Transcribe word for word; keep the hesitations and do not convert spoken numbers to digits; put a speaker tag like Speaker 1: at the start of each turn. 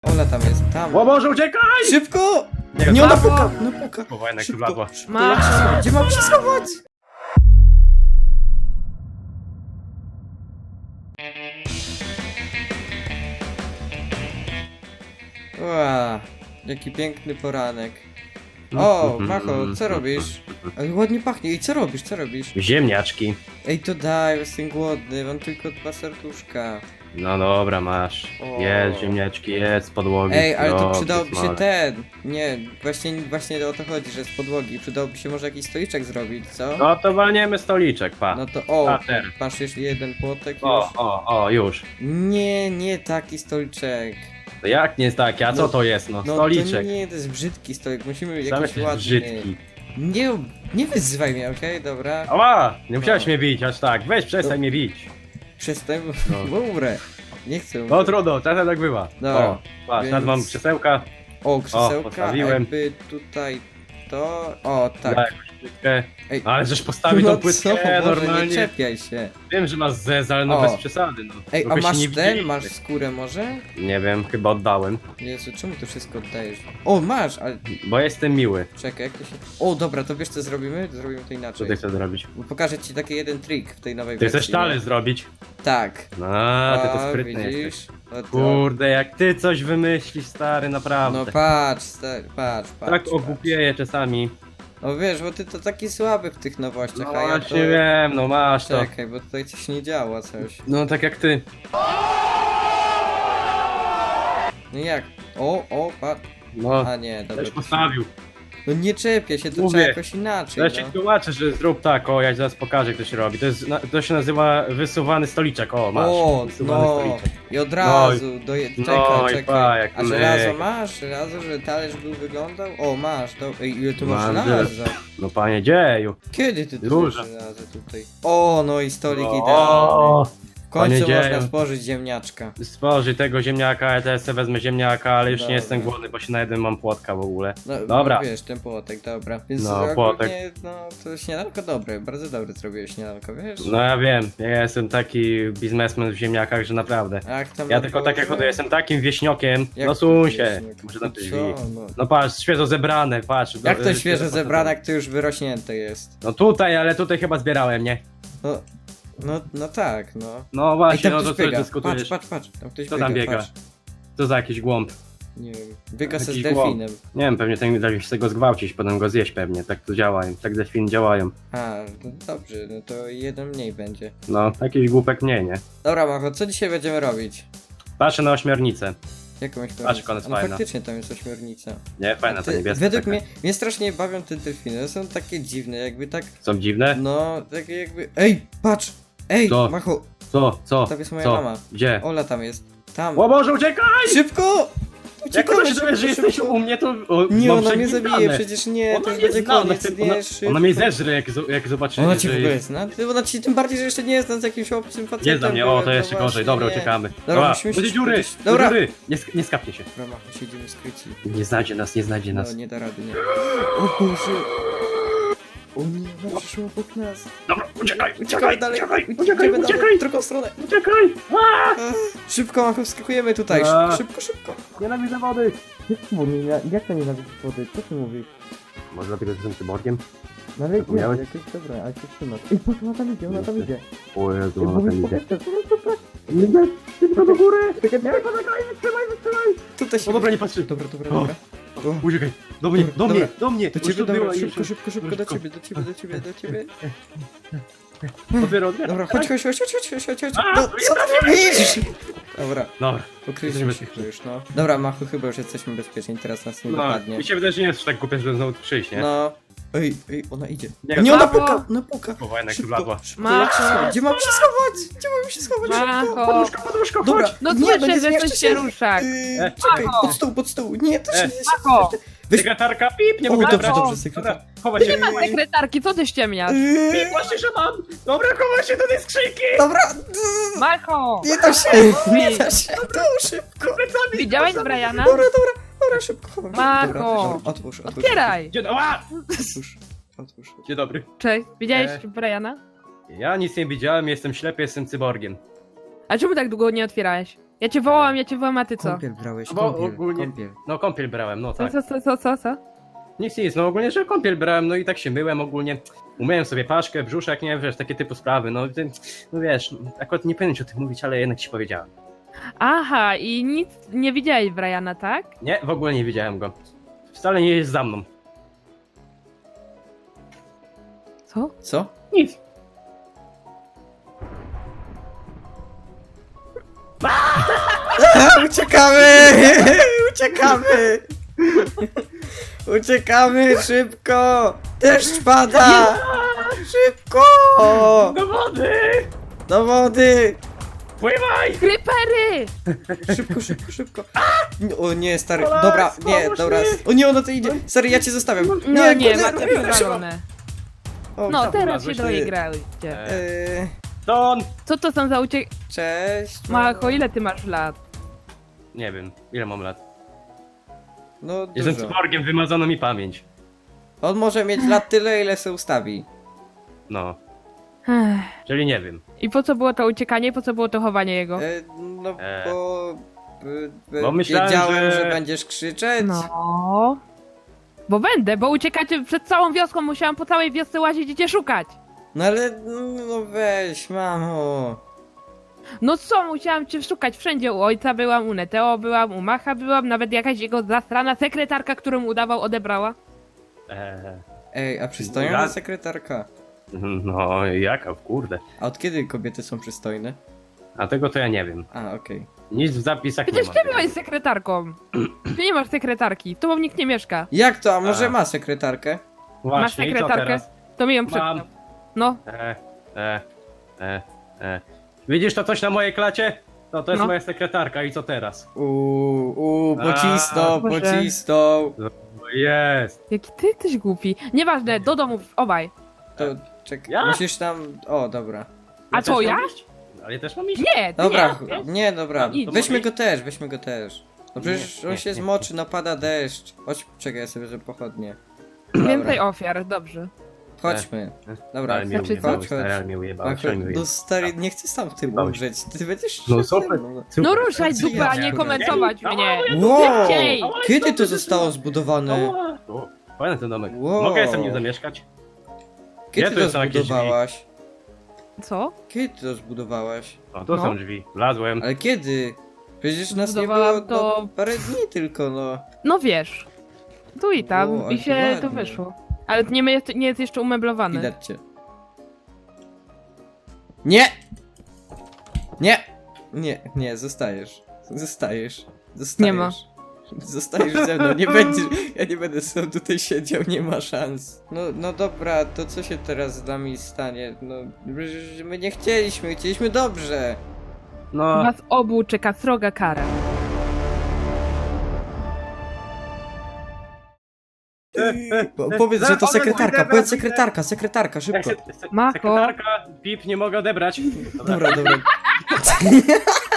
Speaker 1: Ona tam jest, tam.
Speaker 2: O Boże, uciekaj!
Speaker 1: Szybko!
Speaker 2: Nie,
Speaker 1: Nie, ona
Speaker 2: brawo!
Speaker 1: puka, ona puka.
Speaker 2: Kurwa, jednak tu
Speaker 1: Szybko,
Speaker 2: wlazła.
Speaker 1: szybko, jak się schować? Gdzie mam się schować? Ła, jaki piękny poranek. O, Macho, co robisz? Ej, ładnie pachnie. I co robisz, co robisz?
Speaker 2: Ziemniaczki.
Speaker 1: Ej, to daj, jestem głodny, mam tylko dwa serduszka.
Speaker 2: No dobra, masz.
Speaker 1: O.
Speaker 2: Jest ziemniaczki, jest z podłogi.
Speaker 1: Ej, ale to
Speaker 2: Dobrze,
Speaker 1: przydałoby się
Speaker 2: smalec.
Speaker 1: ten. Nie, właśnie, właśnie o to chodzi, że z podłogi. Przydałoby się może jakiś stoliczek zrobić, co?
Speaker 2: No to walniemy stoliczek, pa.
Speaker 1: No to o,
Speaker 2: Pater.
Speaker 1: masz jeszcze jeden płotek już.
Speaker 2: O, o, o, już.
Speaker 1: Nie, nie taki stoliczek.
Speaker 2: To jak nie jest takie, a co
Speaker 1: No,
Speaker 2: to jest, no?
Speaker 1: No
Speaker 2: Stoliczek.
Speaker 1: to nie, to jest brzydki stolik, musimy
Speaker 2: Sam
Speaker 1: jakiś
Speaker 2: jesteś
Speaker 1: ładny.
Speaker 2: brzydki.
Speaker 1: Nie, nie wyzywaj mnie, okej, dobra?
Speaker 2: Ała! Nie musiałeś
Speaker 1: No.
Speaker 2: mnie bić, aż tak. Weź, przestań
Speaker 1: No.
Speaker 2: mnie bić.
Speaker 1: Przestań,
Speaker 2: No.
Speaker 1: bo umrę. Nie chcę
Speaker 2: No
Speaker 1: umrzeć.
Speaker 2: trudno, czasem tak bywa.
Speaker 1: Dobra,
Speaker 2: O, patrz,
Speaker 1: więc-
Speaker 2: nad mam krzesełka.
Speaker 1: O, krzesełka,
Speaker 2: postawiłem.
Speaker 1: jakby tutaj to... O, tak.
Speaker 2: Da jakąś płytkę.
Speaker 1: Ej,
Speaker 2: Ale żeś postawił
Speaker 1: no
Speaker 2: tą płytkę
Speaker 1: co, Boże, nie
Speaker 2: normalnie.
Speaker 1: czepiaj się.
Speaker 2: Wiem, że masz zez, ale no
Speaker 1: O.
Speaker 2: bez przesady, no.
Speaker 1: Ej, a
Speaker 2: Trochę się
Speaker 1: masz
Speaker 2: nie
Speaker 1: ten?
Speaker 2: widzieliśmy.
Speaker 1: Masz skórę może?
Speaker 2: Nie wiem, chyba oddałem.
Speaker 1: Jezu, czemu to wszystko oddajesz? O, masz, ale
Speaker 2: Bo jestem miły.
Speaker 1: czekaj, jak to się... O, dobra, to wiesz co zrobimy? Zrobimy to
Speaker 2: Co
Speaker 1: inaczej.
Speaker 2: ty chcesz zrobić?
Speaker 1: Bo pokażę ci taki jeden trik w tej nowej
Speaker 2: Ty
Speaker 1: wersji.
Speaker 2: chcesz talerz zrobić?
Speaker 1: Tak.
Speaker 2: No, ty to sprytny
Speaker 1: widzisz?
Speaker 2: jesteś.
Speaker 1: O, to...
Speaker 2: Kurde, jak ty coś wymyślisz, stary, naprawdę.
Speaker 1: No patrz, stary, patrz, patrz.
Speaker 2: tak
Speaker 1: patrz.
Speaker 2: ogłupieję czasami.
Speaker 1: No wiesz, bo ty to taki słaby w tych nowościach,
Speaker 2: No
Speaker 1: a ja to...
Speaker 2: właśnie wiem, no masz to.
Speaker 1: Czekaj, bo tutaj coś nie działa, coś.
Speaker 2: No tak jak ty.
Speaker 1: No jak? O, o, patrz.
Speaker 2: No,
Speaker 1: A nie, dobra.
Speaker 2: też
Speaker 1: to się-
Speaker 2: postawił.
Speaker 1: No nie czepia się, to
Speaker 2: Mówię.
Speaker 1: trzeba jakoś inaczej,
Speaker 2: Ja ci
Speaker 1: no.
Speaker 2: tłumaczę, że zrób tak, o, ja ci zaraz pokażę, jak to się robi. To, jest, na- to się nazywa wysuwany stoliczek, o, masz.
Speaker 1: O,
Speaker 2: wysuwany
Speaker 1: no.
Speaker 2: stoliczek.
Speaker 1: I od razu, doje... czekaj,
Speaker 2: no i
Speaker 1: czekaj.
Speaker 2: pa, jak
Speaker 1: A
Speaker 2: my.
Speaker 1: żelazo masz? Żelazo, że talerz był wyglądał? O, masz, to... Ej, ile tu masz
Speaker 2: Mam
Speaker 1: żelaza?
Speaker 2: No panie dzieju.
Speaker 1: Kiedy ty tu
Speaker 2: Dużo.
Speaker 1: masz żelazo tutaj? O, no i stolik idealny.
Speaker 2: O,
Speaker 1: W końcu
Speaker 2: panie
Speaker 1: można
Speaker 2: dzieju.
Speaker 1: spożyć ziemniaczka.
Speaker 2: stworzy tego ziemniaka, ja teraz sobie wezmę ziemniaka, ale już
Speaker 1: Dobra.
Speaker 2: nie jestem głodny, bo się najedłem, mam płotka w ogóle.
Speaker 1: No,
Speaker 2: Dobra.
Speaker 1: No, wiesz, ten płotek, dobra. Więc
Speaker 2: No,
Speaker 1: ogólnie,
Speaker 2: płotek.
Speaker 1: no, to śniadanko dobre, bardzo dobre zrobiłeś śniadanko, wiesz?
Speaker 2: No ja wiem, ja jestem taki biznesmen w ziemniakach, że naprawdę.
Speaker 1: Ach, tam
Speaker 2: Ja
Speaker 1: na
Speaker 2: tylko
Speaker 1: dworze?
Speaker 2: tak jak jestem takim wieśniokiem,
Speaker 1: Jak
Speaker 2: no
Speaker 1: to
Speaker 2: suń się,
Speaker 1: wieśniak?
Speaker 2: muszę
Speaker 1: No
Speaker 2: na
Speaker 1: co,
Speaker 2: drzwi.
Speaker 1: no.
Speaker 2: No patrz, świeżo zebrane, patrz.
Speaker 1: Jak
Speaker 2: no,
Speaker 1: to
Speaker 2: y,
Speaker 1: świeżo
Speaker 2: świeżo
Speaker 1: zebrane, jak to już wyrośnięte jest?
Speaker 2: No tutaj, ale tutaj chyba zbierałem, nie?
Speaker 1: No, no, no tak, no.
Speaker 2: No
Speaker 1: Ej,
Speaker 2: właśnie,
Speaker 1: tam
Speaker 2: no to
Speaker 1: ktoś
Speaker 2: co
Speaker 1: biega, patrz,
Speaker 2: dyskutujesz?
Speaker 1: patrz, patrz, tam ktoś
Speaker 2: Kto
Speaker 1: biega,
Speaker 2: tam biega?
Speaker 1: patrz.
Speaker 2: Co za jakiś głąb?
Speaker 1: Nie wiem, biega se z
Speaker 2: Jakiś
Speaker 1: delfinem.
Speaker 2: Nie wiem, pewnie ten da się go zgwałcić, potem go zjeść pewnie, tak to działają, tak delfiny działają.
Speaker 1: A, no dobrze, no to jeden mniej będzie.
Speaker 2: No, jakiś głupek mniej, nie?
Speaker 1: Dobra, Macho, co dzisiaj będziemy robić?
Speaker 2: Patrzę na ośmiornicę.
Speaker 1: Jakąś
Speaker 2: Patrz, jak ona jest
Speaker 1: no
Speaker 2: fajna.
Speaker 1: faktycznie tam jest ośmiornica.
Speaker 2: Nie, fajna ta
Speaker 1: Ty-
Speaker 2: niebieska
Speaker 1: Według
Speaker 2: taka.
Speaker 1: mnie, mnie strasznie bawią te delfiny, one są takie dziwne, jakby tak,
Speaker 2: Są dziwne?
Speaker 1: no, takie jakby... Ej, patrz! Ej,
Speaker 2: Co?
Speaker 1: Macho,
Speaker 2: Co? Co?
Speaker 1: tam jest moja
Speaker 2: Co?
Speaker 1: mama.
Speaker 2: Gdzie?
Speaker 1: Ola tam jest, tam.
Speaker 2: O Boże, uciekaj!
Speaker 1: Szybko!
Speaker 2: Jak ona się
Speaker 1: szybko,
Speaker 2: dowie, że jesteś
Speaker 1: szybko.
Speaker 2: u mnie, to o,
Speaker 1: Nie,
Speaker 2: mam
Speaker 1: ona mnie
Speaker 2: przeglądane.
Speaker 1: zabije, przecież nie, to
Speaker 2: Ona
Speaker 1: już
Speaker 2: mnie
Speaker 1: będzie
Speaker 2: zna, ona,
Speaker 1: koniec,
Speaker 2: chce-
Speaker 1: nie,
Speaker 2: ona,
Speaker 1: szybko.
Speaker 2: ona mnie zeżre, jak, zo- jak zobaczy,
Speaker 1: Ona ci w
Speaker 2: że
Speaker 1: ogóle
Speaker 2: jest...
Speaker 1: zna? Ty- Ona ci tym bardziej, że jeszcze nie jest z jakimś obcym facetem.
Speaker 2: Nie znam mnie, o, to
Speaker 1: byłem,
Speaker 2: jeszcze
Speaker 1: no
Speaker 2: gorzej,
Speaker 1: właśnie,
Speaker 2: dobra,
Speaker 1: nie.
Speaker 2: uciekamy.
Speaker 1: Dobra,
Speaker 2: Dobra,
Speaker 1: musimy
Speaker 2: do
Speaker 1: się
Speaker 2: dziury,
Speaker 1: skupić.
Speaker 2: do
Speaker 1: Dobra.
Speaker 2: dziury, nie, sk- nie skapnie się.
Speaker 1: Dobra, Macho, siedzimy skryci.
Speaker 2: Nie znajdzie nas, nie znajdzie nas.
Speaker 1: No, nie da rady, nie. O Boże! O nie, ona przyszła obok nas.
Speaker 2: Dobra, uciekaj,
Speaker 1: Uciekamy
Speaker 2: uciekaj,
Speaker 1: dalej,
Speaker 2: uciekaj,
Speaker 1: uciekamy
Speaker 2: uciekaj,
Speaker 1: dalej,
Speaker 2: uciekaj,
Speaker 1: w drugą stronę.
Speaker 2: uciekaj! Aaa!
Speaker 1: Szybko, Macho, wskakujemy tutaj,
Speaker 2: A.
Speaker 1: szybko, szybko.
Speaker 2: Nienawidzę wody!
Speaker 1: Jak to nienawidzisz wody? Co ty mówisz?
Speaker 2: Może dlatego, że jestem cyborgiem?
Speaker 1: No ale
Speaker 2: Zapomniałeś?
Speaker 1: jakieś dobre, ale się trzymasz. Ej, patrz, ona tam idzie, ona tam idzie.
Speaker 2: O Jezu,
Speaker 1: Ej,
Speaker 2: ona
Speaker 1: mówisz,
Speaker 2: tam idzie.
Speaker 1: powiedz, powiedz, powiedz.
Speaker 2: Nie, szybko do góry!
Speaker 1: Czekaj,
Speaker 2: Nie, poczekaj, wytrzymaj, wytrzymaj!
Speaker 1: Tutaj się...
Speaker 2: O dobra, nie patrzy.
Speaker 1: Dobra, dobra,
Speaker 2: O.
Speaker 1: dobra. O.
Speaker 2: Uciekaj, do mnie, do
Speaker 1: Dobra.
Speaker 2: mnie, do mnie!
Speaker 1: Do
Speaker 2: Już
Speaker 1: ciebie,
Speaker 2: tu
Speaker 1: dobra,
Speaker 2: była i
Speaker 1: szybko,
Speaker 2: już-
Speaker 1: szybko, szybko, do
Speaker 2: szybko.
Speaker 1: ciebie, do ciebie, do ciebie, do ciebie.
Speaker 2: Otwieram, otwieram.
Speaker 1: Dobra, chodź, chodź, chodź, chodź, chodź, chodź, chodź.
Speaker 2: A,
Speaker 1: No,
Speaker 2: nie
Speaker 1: co ty robisz? Dobra,
Speaker 2: Dobra.
Speaker 1: ukryliśmy
Speaker 2: Jesteśmy
Speaker 1: się tu już, no. Dobra, Machu, chyba już jesteśmy bezpieczni, teraz nas nie
Speaker 2: No,
Speaker 1: dopadnie.
Speaker 2: mi się wydaje, że nie jest tak głupie, żeby znowu tu przyjść, nie?
Speaker 1: No. Ej, ej, ona idzie.
Speaker 2: Nie,
Speaker 1: Nie, ona
Speaker 3: Macho.
Speaker 1: puka, ona puka.
Speaker 2: Kurwa, jednak tu
Speaker 1: Szybko,
Speaker 2: wlazła.
Speaker 1: szybko,
Speaker 3: Macho.
Speaker 1: jak się schować? Gdzie mam się schować? Gdzie mam się schować? Szybko.
Speaker 3: Macho!
Speaker 2: Poduszka, poduszka,
Speaker 1: Dobra,
Speaker 2: chodź!
Speaker 3: No
Speaker 1: nie,
Speaker 3: słyszę,
Speaker 1: nie
Speaker 3: że
Speaker 1: zmieszczę
Speaker 3: coś się rusza.
Speaker 1: Yy,
Speaker 2: E,
Speaker 1: czekaj,
Speaker 3: Macho.
Speaker 1: pod stół, pod stół. Nie, to się
Speaker 2: E,
Speaker 1: nie się
Speaker 3: Macho.
Speaker 1: Weź-
Speaker 2: Sekretarka, pip, nie
Speaker 1: O,
Speaker 2: mogę
Speaker 1: dobrze,
Speaker 2: brać.
Speaker 1: dobrze, sekretarka.
Speaker 2: Dobra, chowaj się.
Speaker 3: Nie ma sekretarki, co ty ściemniasz?
Speaker 1: Yy,
Speaker 2: Pip, właśnie, że mam! Dobra, chowaj się do tej skrzynki!
Speaker 1: Dobra,
Speaker 3: Macho!
Speaker 1: nie da się, nie da się. Tu, szybko.
Speaker 3: Widziałeś Briana?
Speaker 1: Dobra, dobra, dobra, szybko. chowam się.
Speaker 3: Macho.
Speaker 1: Dobra, dobra, otwórz, otwórz.
Speaker 3: Otwieraj!
Speaker 2: Dzień, ała!
Speaker 1: Otwórz, otwórz.
Speaker 2: Dzień dobry.
Speaker 3: Cześć, widziałeś
Speaker 2: E.
Speaker 3: Briana?
Speaker 2: Ja nic nie widziałem, jestem ślepy, jestem cyborgiem.
Speaker 3: A czemu tak długo nie otwierałeś? Ja cię wołam, ja cię wołam, a ty co?
Speaker 1: Kąpiel brałeś,
Speaker 2: Bo
Speaker 1: kąpiel,
Speaker 2: ogólnie-
Speaker 1: kąpiel.
Speaker 2: No kąpiel brałem, no
Speaker 3: Co,
Speaker 2: tak.
Speaker 3: co, co, co, co, co?
Speaker 2: Nic, nic, no ogólnie, że kąpiel brałem, no i tak się myłem ogólnie. Umyłem sobie paszkę, brzuszek, nie wiesz, takie typu sprawy, no, ty, no wiesz, akurat nie powinienem ci o tym mówić, ale jednak ci powiedziałem.
Speaker 3: Aha, i nic nie widziałeś Briana, tak?
Speaker 2: Nie, w ogóle nie widziałem go. Wcale nie jest za mną.
Speaker 3: Co?
Speaker 1: Co?
Speaker 2: Nic.
Speaker 1: Uciekamy! Uciekamy! Uciekamy szybko! Deszcz pada! Szybko!
Speaker 2: Do wody!
Speaker 1: Do wody!
Speaker 2: Pływaj!
Speaker 3: Creepery!
Speaker 1: Szybko, szybko, szybko! O nie, stary,
Speaker 2: Olek,
Speaker 1: dobra, nie,
Speaker 2: pomóż
Speaker 1: dobra.
Speaker 2: mi!
Speaker 1: O nie, ona to idzie! Stary, ja cię zostawiam!
Speaker 3: No nie,
Speaker 1: kurde,
Speaker 3: macie wywalone.
Speaker 1: O,
Speaker 3: No,
Speaker 1: tam.
Speaker 3: teraz się
Speaker 2: wlazłeś,
Speaker 3: doigrałyście.
Speaker 1: Eee,
Speaker 2: Don!
Speaker 3: Co to są za uciek...
Speaker 1: Cześć!
Speaker 3: Macho, ile ty masz lat?
Speaker 2: Nie wiem, ile mam lat.
Speaker 1: No
Speaker 2: Jestem
Speaker 1: dużo.
Speaker 2: cyborgiem, wymazano mi pamięć.
Speaker 1: On może mieć lat tyle, ile se ustawi.
Speaker 2: No,
Speaker 3: Ech.
Speaker 2: czyli nie wiem.
Speaker 3: I po co było to uciekanie, po co było to chowanie jego?
Speaker 1: E, no
Speaker 2: E.
Speaker 1: bo... e,
Speaker 2: Bo myślałem,
Speaker 1: wiedziałem,
Speaker 2: że-
Speaker 1: że będziesz krzyczeć.
Speaker 3: No... Bo będę, bo uciekacie przed całą wioską, musiałam po całej wiosce łazić i cię szukać.
Speaker 1: No ale, no weź, mamo.
Speaker 3: No co, musiałam cię szukać wszędzie, u ojca byłam, u Neteo byłam, u Macha byłam, nawet jakaś jego zastrana sekretarka, którą udawał, odebrała.
Speaker 2: Eee,
Speaker 1: Ej, a przystojna
Speaker 2: Ja-
Speaker 1: sekretarka?
Speaker 2: no, jaka, kurde.
Speaker 1: A od kiedy kobiety są przystojne?
Speaker 2: A tego to ja nie wiem.
Speaker 1: A, okej.
Speaker 2: Nic w zapisach
Speaker 3: Przecież
Speaker 2: nie
Speaker 3: ty
Speaker 2: ma.
Speaker 3: byłeś sekretarką. Ty nie masz sekretarki, tu nikt nie mieszka.
Speaker 1: Jak to? A może
Speaker 2: A.
Speaker 1: ma sekretarkę?
Speaker 3: Masz
Speaker 2: Właśnie, i co
Speaker 3: sekretarkę?
Speaker 2: teraz?
Speaker 3: To mi ją
Speaker 2: Mam.
Speaker 3: przypomniał. No,
Speaker 2: E, e, e, e. Widzisz to coś na mojej klacie? No to jest
Speaker 3: No.
Speaker 2: moja sekretarka i co teraz?
Speaker 1: Uuu, uuu,
Speaker 2: A,
Speaker 1: pocisnął,
Speaker 3: Boże.
Speaker 1: pocisnął.
Speaker 2: O, jest!
Speaker 3: jaki ty jesteś głupi. Nieważne, do domu, obaj.
Speaker 1: To, czekaj,
Speaker 2: Ja?
Speaker 1: musisz tam... O, dobra.
Speaker 3: A co,
Speaker 2: też
Speaker 3: ja?
Speaker 2: mam iść? Ale ja też mam iść?
Speaker 3: Nie, ty
Speaker 1: Dobra,
Speaker 3: nie.
Speaker 1: nie, dobra.
Speaker 3: No, idź.
Speaker 1: Weźmy go też, weźmy go też. No przecież
Speaker 2: Nie,
Speaker 1: on
Speaker 2: nie,
Speaker 1: się
Speaker 2: nie.
Speaker 1: zmoczy, napada deszcz. Chodź, czekaj, ja sobie, że pochodnie.
Speaker 3: Więcej ofiar, dobrze.
Speaker 1: Chodźmy. Dobra,
Speaker 2: Ale mnie
Speaker 3: Znaczy,
Speaker 2: ujebały,
Speaker 1: chodź,
Speaker 2: stary,
Speaker 1: chodź.
Speaker 2: ale mnie ujebały,
Speaker 1: Ach,
Speaker 2: stary, mnie
Speaker 1: no
Speaker 2: ujebały.
Speaker 1: stary, nie chcę sam w tym
Speaker 2: Ujebały.
Speaker 1: umrzeć. Ty będziesz
Speaker 2: No
Speaker 1: szedł ze
Speaker 2: super.
Speaker 1: mną.
Speaker 2: Super.
Speaker 3: No ruszaj
Speaker 1: Co
Speaker 3: dupę,
Speaker 1: ja
Speaker 3: a nie
Speaker 1: ci
Speaker 3: komentować
Speaker 2: robię?
Speaker 3: mnie.
Speaker 1: Wow!
Speaker 3: Szybciej!
Speaker 1: Kiedy to zostało zbudowane?
Speaker 2: Ała. O, fajny ten domek.
Speaker 1: Wow.
Speaker 2: Mogę sobie nie zamieszkać?
Speaker 1: Kiedy
Speaker 2: tu
Speaker 1: to
Speaker 2: są jakieś drzwi?
Speaker 1: zbudowałaś?
Speaker 3: Co?
Speaker 1: Kiedy to zbudowałaś?
Speaker 2: O, tu
Speaker 3: No.
Speaker 2: są drzwi. Wlazłem.
Speaker 1: Ale kiedy? Przecież nas nie było
Speaker 3: Zbudowałam
Speaker 1: to...
Speaker 3: to-
Speaker 1: no, parę dni tylko, no.
Speaker 3: No wiesz. Tu i tam,
Speaker 1: Wow, ale
Speaker 3: i
Speaker 1: to
Speaker 3: się
Speaker 1: ładnie.
Speaker 3: to wyszło. Ale nie, ma- nie jest jeszcze umeblowane.
Speaker 1: Widać cię. Nie! Nie! Nie, nie, zostajesz. Zostajesz. Zostajesz.
Speaker 3: Nie ma.
Speaker 1: Zostajesz ze mną, nie będziesz. Ja nie będę sam tutaj siedział, nie ma szans. No, no dobra, to co się teraz z nami stanie? No, przecież my nie chcieliśmy, chcieliśmy dobrze.
Speaker 2: No,
Speaker 3: Was obu czeka sroga kara.
Speaker 1: Po, powiedz, że to
Speaker 2: Zaraz,
Speaker 1: sekretarka,
Speaker 2: odebrać,
Speaker 1: powiedz
Speaker 2: idę.
Speaker 1: sekretarka, sekretarka, szybko.
Speaker 2: sek- sek-
Speaker 3: Mako.
Speaker 2: sekretarka, pip, nie mogę odebrać. Dobra.
Speaker 1: Dobra, dobra.